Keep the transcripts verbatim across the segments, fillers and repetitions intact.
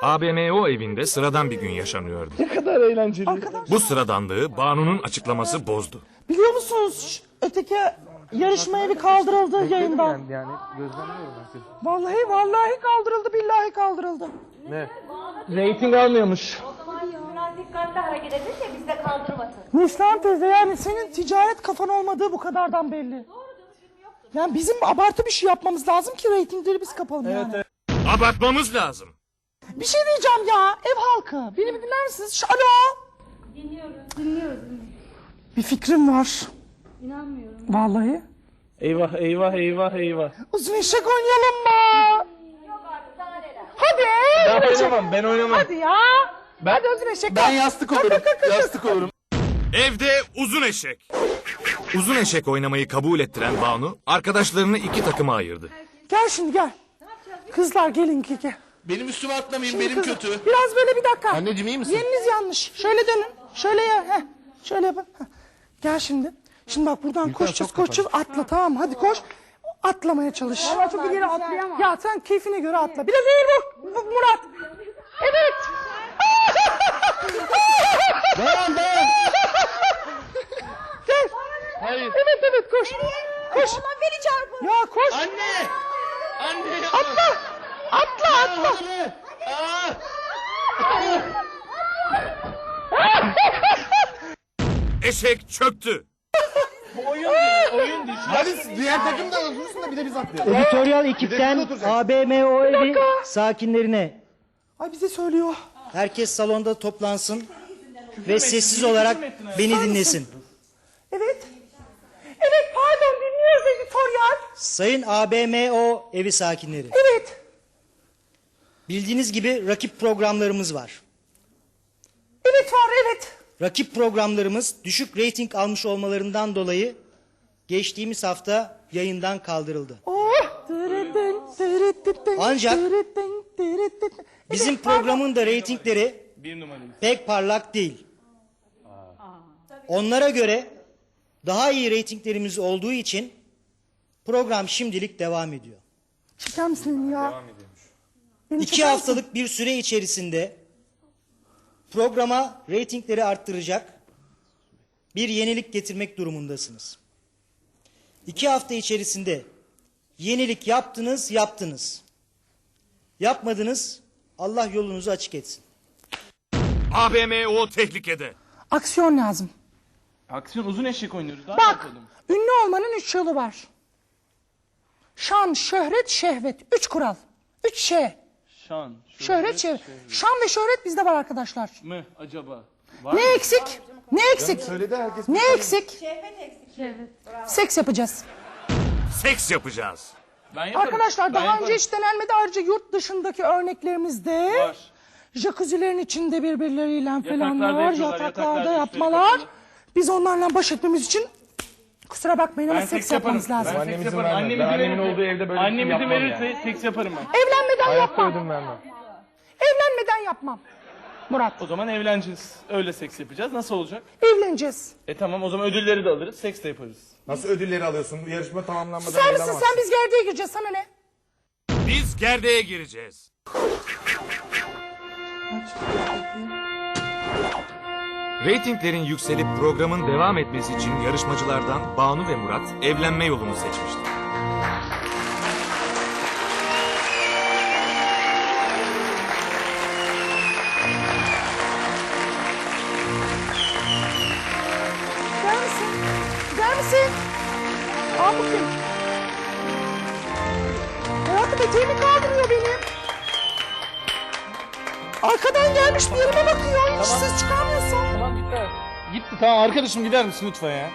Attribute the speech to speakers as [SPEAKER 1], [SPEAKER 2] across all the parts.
[SPEAKER 1] A B M O evinde sıradan bir gün yaşanıyordu.
[SPEAKER 2] Ne kadar eğlenceli.
[SPEAKER 3] Arkadaşlar,
[SPEAKER 1] Bu sıradanlığı Banu'nun açıklaması bozdu.
[SPEAKER 3] biliyor musunuz öteki yarışma evi kaldırıldı yayından.
[SPEAKER 2] Yani gözlemliyorum ben seni.
[SPEAKER 3] Vallahi vallahi kaldırıldı, billahi kaldırıldı.
[SPEAKER 2] Ne? Rating almıyormuş.
[SPEAKER 4] O zaman biraz dikkatli hareket edin de biz de kaldırmasın.
[SPEAKER 3] Neslihan teyze, yani senin ticaret kafan olmadığı bu kadardan belli. Yani bizim abartı bir şey yapmamız lazım ki reytingleri biz kapalım
[SPEAKER 2] Evet,
[SPEAKER 3] yani.
[SPEAKER 2] evet.
[SPEAKER 1] Abartmamız lazım.
[SPEAKER 3] Bir şey diyeceğim ya, ev halkı. Beni bir dinler misiniz? Ş- Alo.
[SPEAKER 4] Dinliyoruz, dinliyoruz.
[SPEAKER 3] Bir fikrim var.
[SPEAKER 4] İnanmıyorum.
[SPEAKER 3] Vallahi.
[SPEAKER 2] Eyvah eyvah eyvah eyvah.
[SPEAKER 3] Uzun eşek oynayalım mı?
[SPEAKER 4] Yok artık daha neler.
[SPEAKER 3] Hadi.
[SPEAKER 2] Ben
[SPEAKER 3] uzun eşek.
[SPEAKER 2] oynamam ben oynamam.
[SPEAKER 3] Hadi ya.
[SPEAKER 2] Ben,
[SPEAKER 3] Hadi uzun eşek.
[SPEAKER 2] ben yastık olurum. Yastık olurum.
[SPEAKER 1] Evde uzun eşek. Uzun eşek oynamayı kabul ettiren Banu, arkadaşlarını iki takıma ayırdı.
[SPEAKER 3] Gel şimdi gel. Kızlar gelin ki gel.
[SPEAKER 5] Benim üstüme atlamayın,
[SPEAKER 3] Şimdi
[SPEAKER 5] benim
[SPEAKER 3] kızlar,
[SPEAKER 5] kötü.
[SPEAKER 3] Biraz böyle bir dakika.
[SPEAKER 5] Anneciğim iyi misin?
[SPEAKER 3] Yeriniz yanlış. Şöyle dönün. Şöyle ya. Heh. Şöyle yapın. Heh. Gel şimdi. Şimdi bak buradan koşacağız koşacağız. Atla, tamam mı? Hadi koş. Atlamaya çalış. Ama çok ileri atlayamam. Ya sen keyfine göre atla. Biraz eğil vur. Bu- Murat. Evet.
[SPEAKER 5] Dayan dayan.
[SPEAKER 3] Gel.
[SPEAKER 5] Hayır.
[SPEAKER 3] Evet evet koş. Koş.
[SPEAKER 4] Allah beni çarpın.
[SPEAKER 3] Ya koş.
[SPEAKER 5] Anne. Anne.
[SPEAKER 3] Atla. Atla atla.
[SPEAKER 5] Anne. Aa.
[SPEAKER 1] Eşek çöktü.
[SPEAKER 2] Oyun değil, oyun değil.
[SPEAKER 5] Hadi diğer takım da otursun da bir de biz atlayalım.
[SPEAKER 6] Editoryal ekipten
[SPEAKER 5] oturacak.
[SPEAKER 6] A B M O evi sakinlerine
[SPEAKER 3] Ay bize söylüyor.
[SPEAKER 6] herkes salonda toplansın ve sessiz olarak beni dinlesin.
[SPEAKER 3] Evet. Evet pardon dinliyoruz editoryal.
[SPEAKER 6] Sayın A B M O evi sakinleri,
[SPEAKER 3] Evet.
[SPEAKER 6] bildiğiniz gibi rakip programlarımız var.
[SPEAKER 3] Evet var evet.
[SPEAKER 6] Rakip programlarımız düşük reyting almış olmalarından dolayı geçtiğimiz hafta yayından kaldırıldı.
[SPEAKER 3] Oh. Tırıdın, tırıdıdın,
[SPEAKER 6] Ancak
[SPEAKER 3] tırıdın, tırıdıdın.
[SPEAKER 6] Bizim
[SPEAKER 3] Evet, pardon.
[SPEAKER 6] programın da reytingleri
[SPEAKER 2] Bir numarayız.
[SPEAKER 6] pek parlak değil. Onlara göre daha iyi reytinglerimiz olduğu için program şimdilik devam ediyor.
[SPEAKER 3] Çeker misin ya? Devam ediyormuş. Beni
[SPEAKER 6] İki
[SPEAKER 3] çeker misin?
[SPEAKER 6] haftalık bir süre içerisinde programa reytingleri arttıracak bir yenilik getirmek durumundasınız. İki hafta içerisinde yenilik yaptınız, yaptınız. Yapmadınız, Allah yolunuzu açık etsin.
[SPEAKER 1] A B M O tehlikede.
[SPEAKER 3] Aksiyon lazım.
[SPEAKER 2] Aksiyon uzun eşek oynuyoruz. Daha ne
[SPEAKER 3] Bak,
[SPEAKER 2] yapalım?
[SPEAKER 3] ünlü olmanın üç yolu var. Şan, şöhret, şehvet. Üç kural. Üç şey.
[SPEAKER 2] Şan.
[SPEAKER 3] Şöhret, şehvet. Şan ve şöhret bizde var arkadaşlar.
[SPEAKER 2] mı acaba? Var
[SPEAKER 3] Ne
[SPEAKER 2] mı?
[SPEAKER 3] eksik? Ne eksik?
[SPEAKER 5] Söyledi herkes.
[SPEAKER 3] Ne eksik?
[SPEAKER 4] Şehvet eksik. Şehvet.
[SPEAKER 3] Seks yapacağız.
[SPEAKER 1] Seks yapacağız.
[SPEAKER 2] Ben yaparım.
[SPEAKER 3] Arkadaşlar
[SPEAKER 2] Ben
[SPEAKER 3] daha
[SPEAKER 2] yaparım.
[SPEAKER 3] önce hiç denenmedi. Ayrıca yurt dışındaki örneklerimizde
[SPEAKER 2] Var.
[SPEAKER 3] jacuzzilerin içinde birbirleriyle falanlar,
[SPEAKER 2] yapıyorlar,
[SPEAKER 3] yataklarda
[SPEAKER 2] yataklarda
[SPEAKER 3] yapmalar.
[SPEAKER 2] üstleri kapalı.
[SPEAKER 3] Biz onlarla baş etmemiz için kusura bakmayın ama
[SPEAKER 2] Ben
[SPEAKER 3] seks
[SPEAKER 2] seks yaparım.
[SPEAKER 3] yapmamız lazım.
[SPEAKER 2] Ben
[SPEAKER 5] Annem
[SPEAKER 2] seks
[SPEAKER 5] izin
[SPEAKER 2] yaparım.
[SPEAKER 5] vermez.
[SPEAKER 2] Annem
[SPEAKER 5] Ben
[SPEAKER 2] izin
[SPEAKER 5] annemin
[SPEAKER 2] verirse,
[SPEAKER 5] olduğu evde böyle bir şey
[SPEAKER 2] annem izin
[SPEAKER 5] yapmam
[SPEAKER 2] verirse
[SPEAKER 5] yani.
[SPEAKER 2] seks yaparım ben.
[SPEAKER 3] Evlenmeden
[SPEAKER 5] Hayatta
[SPEAKER 3] yapmam.
[SPEAKER 5] ödün vermem.
[SPEAKER 3] Evlenmeden yapmam. Murat,
[SPEAKER 2] O zaman evleneceğiz. Öyle seks yapacağız. Nasıl olacak?
[SPEAKER 3] evleneceğiz.
[SPEAKER 2] E tamam o zaman ödülleri de alırız. Seks de yaparız.
[SPEAKER 5] Nasıl ödülleri alıyorsun? Bu yarışma tamamlanmadan
[SPEAKER 3] Sen misin
[SPEAKER 5] alamazsın.
[SPEAKER 3] sen, biz gerdeğe gireceğiz, sana ne?
[SPEAKER 1] Biz gerdeğe gireceğiz. Reytinglerin yükselip programın devam etmesi için yarışmacılardan Banu ve Murat evlenme yolunu seçmişti.
[SPEAKER 3] Gider misin? Gider misin? Al bakayım. Hayatım eteğimi kaldırıyor benim. Arkadan gelmiş bir yerime bakıyor. Hiç ses çıkarmıyorsun.
[SPEAKER 2] Tamam gitti. Gitti tamam arkadaşım gider misin lütfen ya?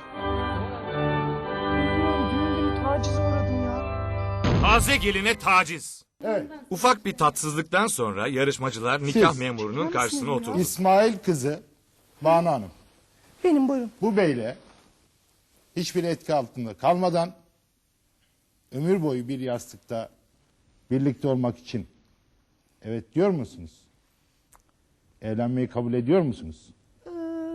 [SPEAKER 3] Düğünde bir tacize uğradım ya.
[SPEAKER 1] Taze geline taciz.
[SPEAKER 5] Evet.
[SPEAKER 1] Ufak bir tatsızlıktan sonra yarışmacılar nikah
[SPEAKER 5] Siz.
[SPEAKER 1] memurunun karşısına oturdu.
[SPEAKER 5] İsmail kızı Banu Hanım
[SPEAKER 3] Benim buyurun.
[SPEAKER 5] bu beyle hiçbir etki altında kalmadan ömür boyu bir yastıkta birlikte olmak için evet diyor musunuz? Evlenmeyi kabul ediyor musunuz?
[SPEAKER 3] Ee,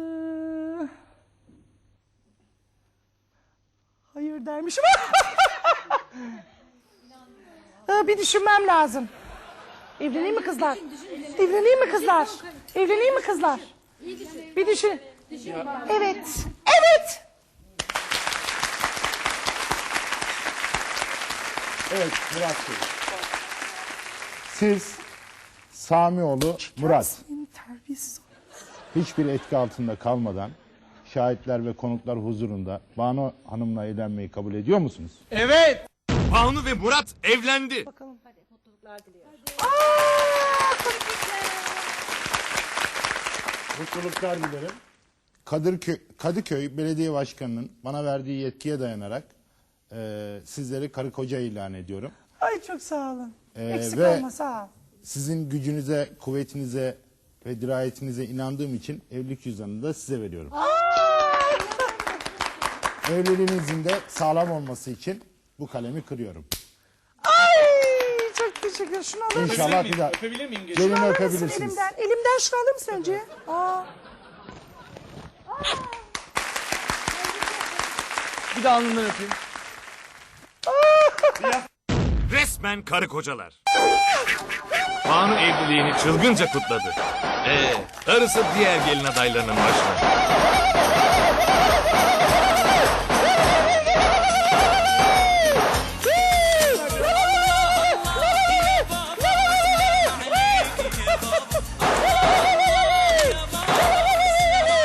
[SPEAKER 3] hayır dermişim. Ee, bir düşünmem lazım. Evleneyim mi kızlar? Evleneyim mi kızlar? Evleneyim mi kızlar? Bir düşün. Evet. Evet.
[SPEAKER 5] Evet Murat Bey. Siz Samioğlu Murat
[SPEAKER 3] Senin terbiyesiz.
[SPEAKER 5] hiçbir etki altında kalmadan şahitler ve konuklar huzurunda Banu Hanım'la evlenmeyi kabul ediyor musunuz?
[SPEAKER 2] Evet.
[SPEAKER 1] Banu ve Murat evlendi.
[SPEAKER 5] Mutluluklar dilerim. Kadıköy, Kadıköy Belediye Başkanı'nın bana verdiği yetkiye dayanarak e, sizleri karı koca ilan ediyorum.
[SPEAKER 3] Ay çok sağ olun.
[SPEAKER 5] Ee,
[SPEAKER 3] Eksik
[SPEAKER 5] ve-
[SPEAKER 3] olma sağ ol.
[SPEAKER 5] Sizin gücünüze, kuvvetinize ve dirayetinize inandığım için evlilik cüzdanını da size veriyorum. Evliliğinizin de sağlam olması için bu kalemi kırıyorum.
[SPEAKER 3] Ay çok teşekkür ederim. Şunu alır mısın?
[SPEAKER 5] İnşallah bir daha
[SPEAKER 2] Öpebilir miyim? Geçin.
[SPEAKER 5] gelini
[SPEAKER 3] Alır mısın
[SPEAKER 5] öpebilirsiniz.
[SPEAKER 3] elimden? Elimden şunu alır mısın önce? Aa.
[SPEAKER 2] Bir de alnından öpeyim.
[SPEAKER 1] Resmen karı kocalar. Banu evliliğini çılgınca kutladı. Ee, darısı diğer gelin adaylarının başına.